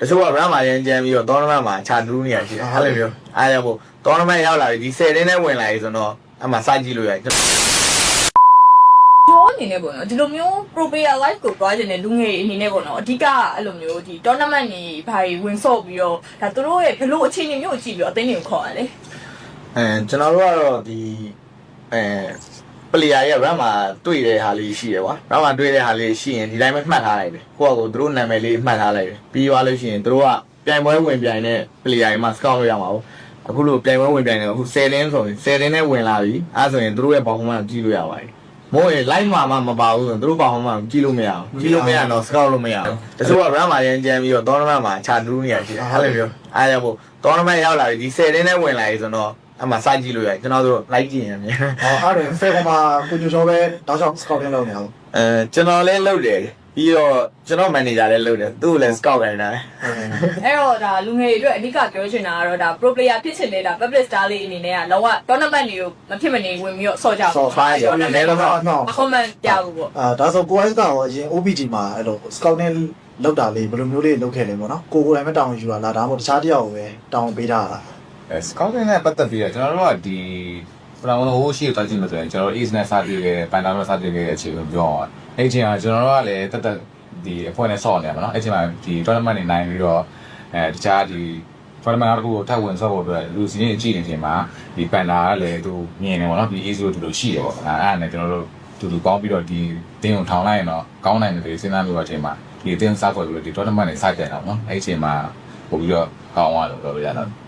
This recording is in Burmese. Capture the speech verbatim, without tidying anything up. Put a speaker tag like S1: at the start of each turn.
S1: တချို့က run မှာရန်ကြမ်းပြီးတော့ tournament မှာခြာတူးနေရရှိတယ်အဲ့လိုမျိုးအားကြောင့်မို့ tournament ရောက်လာပြီဒီtenတင်းနဲ့ဝင်လာပြီဆိုတော့အမှစိုက်ကြည့်လို့ရတယ်
S2: ပြောအနေနဲ့ပေါ့နော်ဒီလိုမျိုး pro player life ကိုတွားကျင်တဲ့လူငယ်အနေနဲ့ပေါ့နော်အဓိကအဲ့လိုမျိုးဒီ tournament တွေဘာတွေဝင်ဆော့ပြီးတော့ဒါသူတို့ရဲ့ဘလို့အခြေအနေမျိုးကိုကြည့်ပြီးတော့အသိဉာဏ်ခေါ်ရတယ်
S1: အဲကျွန်တော်တို့ကတော့ဒီအဲ player ရဲ့ run မှာတွေ့တဲ့ဟာလေးရှိတယ်ကွာ run မှာတွေ့တဲ့ဟာလေးရှိရင်ဒီတိုင်းပဲမှတ်ထားလိုက်တယ်ကိုယ့်အကိုသူတို့နာမည်လေးမှတ်ထားလိုက်တယ်ပြီးသွားလို့ရှိရင်သူတို့ကပြိုင်ပွဲဝင်ပြိုင်တဲ့ player တွေမှာ scout လုပ်ရမှာပေါ့အခုလိုပြိုင်ပွဲဝင်ပြိုင်တယ်အခုtenတင်းဆိုရင်tenတင်းနဲ့ဝင်လာပြီအဲဆိုရင်သူတို့ရဲ့ performance ကြည့်လို့ရပါတယ်မို့ရင် live မှာမှမပါဘူးဆိုရင်သူတို့ performance ကြည့်လို့မရဘူးကြည့်လို့မရတော့ scout လို့မရဘူးတချို့က run မှာရန်ကြမ်းပြီးတော့ tournament မှာခြာတူးနေရရှိတယ်အဲ့လိုမျိုးအဲကြောင့်မို့ tournament ရောက်လာပြီဒီtenတင်းနဲ့ဝင်လာပြီဆိုတော့အမှစိုက်ကြည့်လို့ရတယ်ကျွန်တော်တို့ like ကြည့်ရင်မြန်
S3: ဟောအဲ့ဒါဖေကမှာကိုညိုချောပဲတောက်ချောင်း scouting လုပ်နေအောင်
S1: အဲကျွန်တော်လည်းလုပ်တယ်ပြီးတော့ကျွန်တော် manager လည်းလုပ်တယ်သူ့ကိုလည်း scout ခိုင်းတာလေ
S2: အဲ့တော့ဒါလူငယ်တွေအတွက်အဓိကပြောချင်တာကတော့ဒါ pro player ဖြစ်ချင်တဲ့ဒါ public star လေးအနေနဲ့ကလောက tournament တွေကိုမဖြစ်မနေဝင်ပြီးတော့ဆော့ကြပါ
S1: ဆော့ဖိုင်းရောနည်းနည်းတော့
S2: comment ပြဖို့ပေါ့
S3: အာဒါဆိုကိုအိုက်ကတော့အရင် O P G မှာအဲ့လို scouting လောက်တာလေးဘယ်လိုမျိုးလေးလုပ်ခဲ့လဲပေါ့နော်ကိုကိုယ်တိုင်ပဲတောင်းယူတာလားဒါမှမဟုတ်တခြားတယောက်ကိုပဲတောင်းပေးတာလား
S4: အဲ scouting နဲ့ပတ်သက်ပြီးတော့ကျွန်တော်တို့ကဒီပလာမလို့ဟိုရှိသွားချင်းလို့ဆိုရင်ကျွန်တော်တို့ East နဲ့စတွေ့ခဲ့ပန်တာနဲ့စတွေ့ခဲ့တဲ့အချိန်ကိုပြောအောင်အဲ့ချိန်ကကျွန်တော်တို့ကလည်းတက်တက်ဒီအဖွဲ့နဲ့ဆော့နေရမှာနော်အဲ့ချိန်မှာဒီ tournament တွေနိုင်ပြီးတော့အဲတခြားဒီ tournament တစ်ခုကိုထပ်ဝင်ဆော့ဖို့အတွက်လူစီးနေကြည့်နေချိန်မှာဒီပန်တာကလည်းသူမြင်နေပေါ့နော်ဒီ East တို့တူလို့ရှိတယ်ပေါ့အဲ့အဲ့နဲ့ကျွန်တော်တို့တူတူပေါင်းပြီးတော့ဒီတင်းကိုထောင်လိုက်ရင်တော့ကောင်းနိုင်တယ်စဉ်းစားပြီးတော့အချိန်မှာဒီတင်းစားဖွဲ့ပြီးတော့ဒီ tournament တွေစကြတယ်နော်အဲ့ချိန်မှာပို့ပြီးတော့ကောင်းသွားလို့ပြောပြရတော့